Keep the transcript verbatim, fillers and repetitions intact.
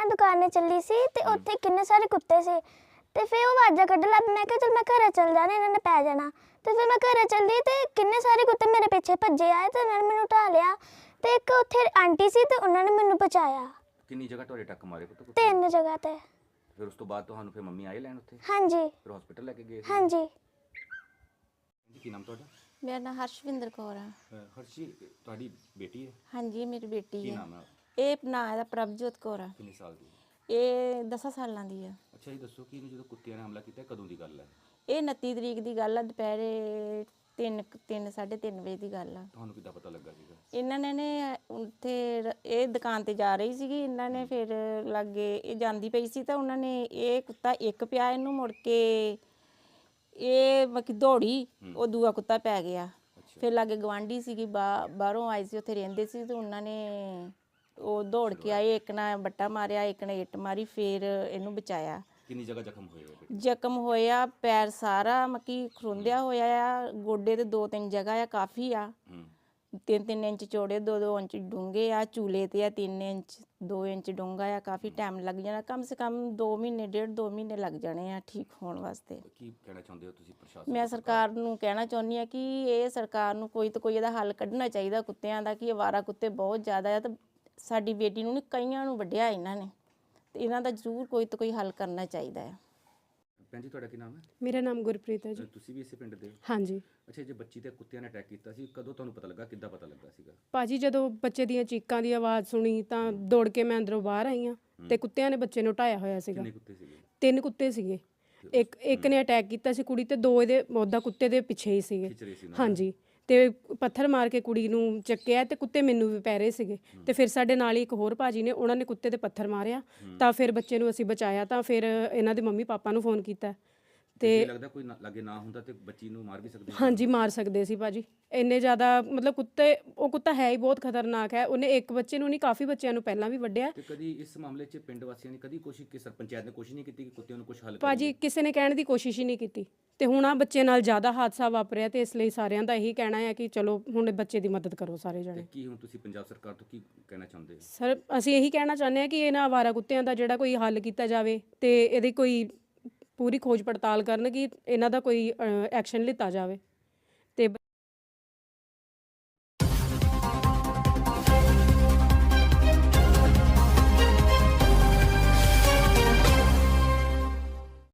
मैं दुकान चली सी ते उत्थे किन्ने सारे कुत्ते से ते फिर वो आवाज़ा कड्ढन लग पई। मैं कहा चल मैं घरे चल जाना, इन्होंने पै जाना। ते फिर मैं घरे चली ते किन्ने सारे कुत्ते मेरे पीछे भज्जे आए ते उन्होंने मैनू ढा लिया ते एक उत्थे आंटी सी ते उन्होंने मैनू बचाया। ਕਿੰਨੀ ਜਗ੍ਹਾ ਤੁਹਾਡੇ ਟੱਕ ਮਾਰੇ ਪੁੱਤ? तीन जगह ते। ਫਿਰ ਉਸ ਤੋਂ ਬਾਅਦ ਤੁਹਾਨੂੰ ਫਿਰ ਮੰਮੀ ਆਏ ਲੈਣ ਉੱਥੇ? हाँ जी ਫਿਰ ਹਸਪੀਟਲ ਲੈ ਕੇ ਗਏ ਸੀ? हाँ जी। ਜੀ ਕੀ ਨਾਮ ਤੁਹਾਡਾ? ਮੇਰਾ ਨਾਮ ਹਰਸ਼ਵਿੰਦਰ ਕੌਰ ਆ। ਹਰਸ਼ੀ ਤੁਹਾਡੀ ਬੇਟੀ ਹੈ? ਹਾਂਜੀ ਮੇਰੀ ਬੇਟੀ ਕੀ ਹੈ। ਨਾਮ ਹੈ? ਇਹ ਨਾਂ ਇਹਦਾ ਪ੍ਰਭਜੋਤ ਕੌਰ ਆ। ਕਿੰਨੇ ਸਾਲ ਦੀ? ਇਹ ਦਸਾਂ ਸਾਲਾਂ ਦੀ ਆ। ਅੱਛਾ ਇਹ ਦੱਸੋ ਕਿ ਇਹਨੂੰ ਜਦੋਂ ਕੁੱਤਿਆਂ ਨੇ ਹਮਲਾ ਕੀਤਾ ਕਦੋਂ ਦੀ ਗੱਲ ਹੈ? ਇਹ ਉਨੱਤੀ ਤਰੀਕ ਦੀ ਗੱਲ ਆ, ਦੁਪਹਿਰੇ ਤਿੰਨ ਤਿੰਨ ਸਾਢੇ ਤਿੰਨ ਵਜੇ ਦੀ ਗੱਲ ਆ। ਤੁਹਾਨੂੰ ਕਿੱਦਾਂ ਪਤਾ ਲੱਗਾ ਸੀਗਾ? ਇਹਨਾਂ ਨੇ ਨੇ ਉੱਥੇ ਰ- ਇਹ ਦੁਕਾਨ ਤੇ ਜਾ ਰਹੀ ਸੀਗੀ, ਇਹਨਾਂ ਨੇ ਫਿਰ ਲਾਗੇ ਇਹ ਜਾਂਦੀ ਪਈ ਸੀ ਤਾਂ ਉਹਨਾਂ ਨੇ ਇਹ ਕੁੱਤਾ ਇੱਕ ਪਿਆ ਇਹਨੂੰ, ਮੁੜ ਕੇ ਇਹ ਬਾਕੀ ਦੌੜੀ, ਉਹ ਦੂਆ ਕੁੱਤਾ ਪੈ ਗਿਆ। ਫਿਰ ਲਾਗੇ ਗਵਾਂਢੀ ਸੀਗੀ, ਬਾ ਬਾਹਰੋਂ ਆਈ ਸੀ, ਉੱਥੇ ਰਹਿੰਦੇ ਸੀ ਤੇ ਉਹਨਾਂ ਨੇ ਉਹ ਦੌੜ ਕੇ ਆਏ, ਇੱਕ ਨੇ ਬੱਟਾ ਮਾਰਿਆ, ਇੱਕ ਨੇ ਇੱਟ ਮਾਰੀ, ਫਿਰ ਇਹਨੂੰ ਬਚਾਇਆ। ਕਿੰਨੀ ਜਗ੍ਹਾ ਜ਼ਖਮ ਹੋਏ ਆ ਬੇਟੇ? ਜ਼ਖਮ ਹੋਇਆ ਪੈਰ ਸਾਰਾ ਮੱਕੀ ਖਰੁੰਦਿਆ ਹੋਇਆ ਆ, ਗੋਡੇ ਤੇ ਦੋ ਤਿੰਨ ਜਗ੍ਹਾ ਆ, ਕਾਫੀ ਆ। ਹੂੰ ਤਿੰਨ ਤਿੰਨ ਇੰਚ ਚੌੜੇ, ਦੋ ਦੋ ਇੰਚ ਡੂੰਘੇ ਆ, ਚੂਲੇ ਤੇ ਆ ਤਿੰਨ ਇੰਚ, ਦੋ ਇੰਚ ਡੂੰਘਾ ਆ। ਕਾਫੀ ਟਾਈਮ ਲੱਗ ਜਾਣਾ, ਕਮ ਸੇ ਕਮ ਦੋ ਮਹੀਨੇ ਡੇਢ ਦੋ ਮਹੀਨੇ ਲੱਗ ਜਾਣੇ ਆ ਠੀਕ ਹੋਣ ਵਾਸਤੇ। ਕੀ ਕਹਿਣਾ ਚਾਹੁੰਦੇ ਹੋ ਤੁਸੀਂ ਪ੍ਰਸ਼ਾਸਨ? ਮੈਂ ਸਰਕਾਰ ਨੂੰ ਕਹਿਣਾ ਚਾਹੁੰਦੀ ਆ ਕਿ ਇਹ ਸਰਕਾਰ ਨੂੰ ਕੋਈ ਤਾਂ ਕੋਈ ਇਹਦਾ ਹੱਲ ਕੱਢਣਾ ਚਾਹੀਦਾ ਕੁੱਤਿਆਂ ਦਾ, ਕਿ ਅਵਾਰਾ ਕੁੱਤੇ ਬਹੁਤ ਜ਼ਿਆਦਾ ਆ ਤੇ ਸਾਡੀ ਬੇਟੀ ਨੂੰ ਨਹੀਂ ਕਈਆਂ ਨੂੰ ਵੱਢਿਆ ਇਹਨਾਂ ਨੇ, ਤੇ ਇਹਨਾਂ ਦਾ ਜ਼ਰੂਰ ਕੋਈ ਤਾਂ ਕੋਈ ਹੱਲ ਕਰਨਾ ਚਾਹੀਦਾ ਹੈ। ਭੈਣ ਜੀ ਤੁਹਾਡਾ ਕੀ ਨਾਮ ਹੈ? ਮੇਰਾ ਨਾਮ ਗੁਰਪ੍ਰੀਤ ਹੈ ਜੀ। ਅ, ਤੁਸੀਂ ਵੀ ਇਸੇ ਪਿੰਡ ਦੇ ਹੋ? ਹਾਂਜੀ ਅੱਛਾ ਜੇ ਬੱਚੀ ਤੇ ਕੁੱਤਿਆਂ ਨੇ ਅਟੈਕ ਕੀਤਾ ਸੀ, ਕਦੋਂ ਤੁਹਾਨੂੰ ਪਤਾ ਲੱਗਾ, ਕਿੱਦਾਂ ਪਤਾ ਲੱਗਾ ਸੀਗਾ? ਭਾਜੀ ਜਦੋਂ ਬੱਚੇ ਦੀਆਂ ਚੀਕਾਂ ਦੀ ਆਵਾਜ਼ ਸੁਣੀ ਤਾਂ ਦੌੜ ਕੇ ਮੈਂ ਅੰਦਰੋਂ ਬਾਹਰ ਆਈ ਹਾਂ ਤੇ ਕੁੱਤਿਆਂ ਨੇ ਬੱਚੇ ਨੂੰ ਢਾਇਆ ਹੋਇਆ ਸੀਗਾ। ਕਿੰਨੇ ਕੁੱਤੇ ਸੀਗੇ? ਤਿੰਨ ਕੁੱਤੇ ਸੀਗੇ, ਇੱਕ ਇੱਕ ਨੇ ਅਟੈਕ ਕੀਤਾ ਸੀ ਕੁੜੀ ਤੇ ਦੋ ਇਹਦੇ ਉਹਦਾ ਕੁੱਤੇ ਦੇ ਪਿੱਛੇ ਹੀ ਸੀਗੇ। ਖਿੱਚ ਰਹੇ ਸੀ ਨਾ? ਹਾਂਜੀ ਤੇ ਪੱਥਰ ਮਾਰ ਕੇ ਕੁੜੀ ਨੂੰ ਚੱਕਿਆ ਤੇ ਕੁੱਤੇ ਮੈਨੂੰ ਵੀ ਪੈ ਰਹੇ ਸੀਗੇ ਤੇ ਫਿਰ ਸਾਡੇ ਨਾਲ ਹੀ ਇੱਕ ਹੋਰ ਭਾਜੀ ਨੇ, ਉਹਨਾਂ ਨੇ ਕੁੱਤੇ ਤੇ ਪੱਥਰ ਮਾਰਿਆ ਤਾਂ ਫਿਰ ਬੱਚੇ ਨੂੰ ਅਸੀਂ ਬਚਾਇਆ। ਤਾਂ ਫਿਰ ਇਹਨਾਂ ਦੇ ਮੰਮੀ ਪਾਪਾ ਨੂੰ ਫੋਨ ਕੀਤਾ ਤੇ ਤੇ ਲੱਗਦਾ ਕੋਈ ਨਾ- ਲਾਗੇ ਨਾ ਹੁੰਦਾ ਤੇ ਬੱਚੀ ਨੂੰ ਮਾਰ ਵੀ ਸਕਦੇ ਸੀ? ਹਾਂਜੀ ਮਾਰ ਸਕਦੇ ਸੀ ਭਾਜੀ, ਇੰਨੇ ਜ਼ਿਆਦਾ ਮਤਲਬ ਕੁੱਤੇ, ਉਹ ਕੁੱਤਾ ਹੈ ਹੀ ਬਹੁਤ ਖਤਰਨਾਕ ਹੈ। ਉਹਨੇ ਇੱਕ ਬੱਚੇ ਨੂੰ ਨਹੀਂ ਕਾਫੀ ਬੱਚਿਆਂ ਨੂੰ ਪਹਿਲਾਂ ਵੀ ਵੱਢਿਆ। ਤੇ ਕਦੀ ਇਸ ਮਾਮਲੇ 'ਚ ਪਿੰਡ ਵਾਸੀਆਂ ਨੇ ਕਦੀ ਕੋਸ਼ਿਸ਼ ਕਿ ਪੰਚਾਇਤ ਨੇ ਕੋਸ਼ਿਸ਼ ਨਹੀਂ ਕੀਤੀ ਕਿ ਕੁੱਤਿਆਂ ਨੂੰ ਕੁਝ ਹੱਲ ਭਾਜੀ ਕਿਸੇ ਨੇ ਕਹਿਣ ਦੀ ਕੋਸ਼ਿਸ਼ ਹੀ ਨਹੀਂ ਕੀਤੀ ਤੇ ਹੁਣ ਆ ਬੱਚੇ ਨਾਲ ਜ਼ਿਆਦਾ ਹਾਦਸਾ ਵਾਪਰਿਆ ਤੇ ਇਸ ਲਈ ਸਾਰਿਆਂ ਦਾ ਇਹੀ ਕਹਿਣਾ ਹੈ ਕਿ ਚਲੋ ਹੁਣ ਬੱਚੇ ਦੀ ਮਦਦ ਕਰੋ ਸਾਰੇ ਤੇ ਜਣੇ। ਕੀ ਹੁਣ ਤੁਸੀਂ ਪੰਜਾਬ ਸਰਕਾਰ ਤੋਂ ਕੀ ਕਹਿਣਾ ਚਾਹੁੰਦੇ ਹੋ? ਸਰ ਅਸੀਂ ਇਹੀ ਕਹਿਣਾ ਚਾਹੁੰਦੇ ਹਾਂ ਕਿ ਇਹਨਾਂ ਅਵਾਰਾ ਕੁੱਤਿਆਂ ਦਾ ਜਿਹੜਾ ਕੋਈ ਹੱਲ ਕੀਤਾ ਜਾਵੇ ਤੇ ਇਹਦੀ ਕੋਈ ਪੂਰੀ ਖੋਜ ਪੜਤਾਲ ਕਰਨ ਕਿ ਇਹਨਾਂ ਦਾ ਕੋਈ ਐਕਸ਼ਨ ਲਿੱਤਾ ਜਾਵੇ।